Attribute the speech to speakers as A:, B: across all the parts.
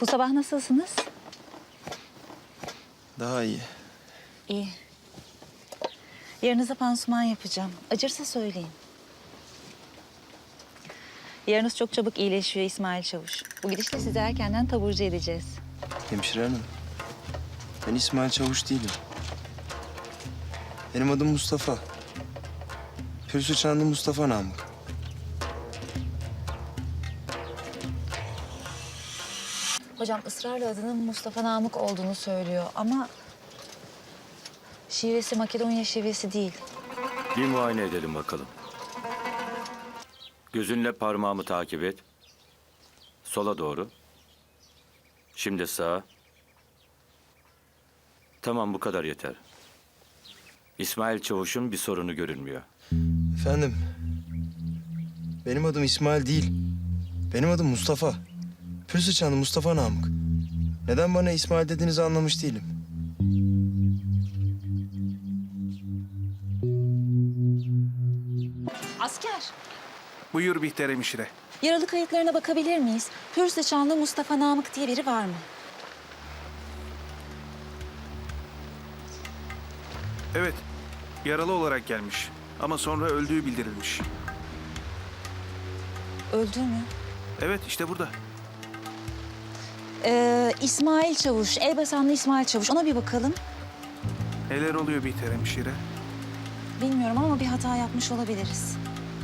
A: Bu sabah nasılsınız?
B: Daha iyi.
A: İyi. Yarınıza pansuman yapacağım. Acırsa söyleyin. Yarınız çok çabuk iyileşiyor İsmail Çavuş. Bu gidişle sizi erkenden taburcu edeceğiz.
B: Hemşire hanım. Ben İsmail Çavuş değilim. Benim adım Mustafa. Pürsü Çanlı Mustafa Namık.
A: Hocam ısrarla adının Mustafa Namık olduğunu söylüyor ama... şivesi Makedonya şivesi değil.
C: Bir muayene edelim bakalım. Gözünle parmağımı takip et. Sola doğru. Şimdi sağa. Tamam, bu kadar yeter. İsmail Çavuş'un bir sorunu görünmüyor.
B: Efendim. Benim adım İsmail değil. Benim adım Mustafa. Pürsü Çanlı Mustafa Namık. Neden bana İsmail dediğinizi anlamış değilim.
A: Asker,
D: Buyur Bihter hemşire.
A: yaralı kayıtlarına bakabilir miyiz? Pürsü Çanlı Mustafa Namık diye biri var mı?
D: Evet, yaralı olarak gelmiş. Ama sonra öldüğü bildirilmiş.
A: Öldü mü?
D: Evet, işte burada.
A: İsmail Çavuş, Elbasanlı İsmail Çavuş. Ona bir bakalım.
D: Neler oluyor Bihter hemşire?
A: Bilmiyorum ama bir hata yapmış olabiliriz.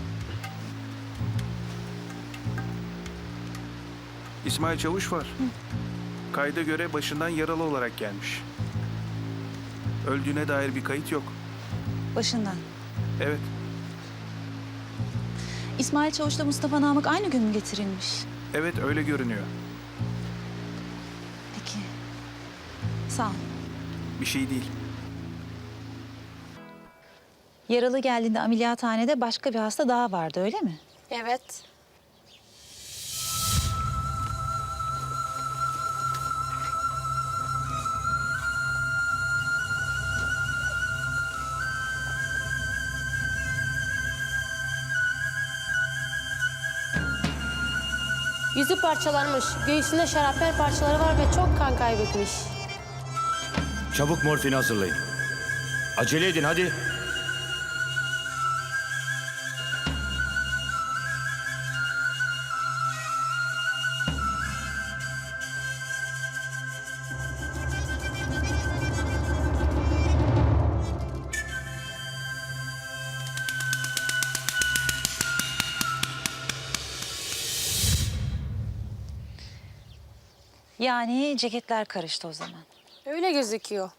D: İsmail Çavuş var. Kayda göre başından yaralı olarak gelmiş. Öldüğüne dair bir kayıt yok.
A: Başından.
D: Evet,
A: İsmail Çavuş'la Mustafa Namık aynı gün mü getirilmiş?
D: evet öyle görünüyor.
A: Peki. Sağ ol.
D: Bir şey değil.
A: Yaralı geldiğinde ameliyathanede başka bir hasta daha vardı, öyle mi?
E: Evet. Yüzü parçalanmış, göğsünde şarapnel parçaları var ve çok kan kaybetmiş.
C: Çabuk morfini hazırlayın. Acele edin hadi.
A: Yani ceketler karıştı o zaman.
E: Öyle gözüküyor.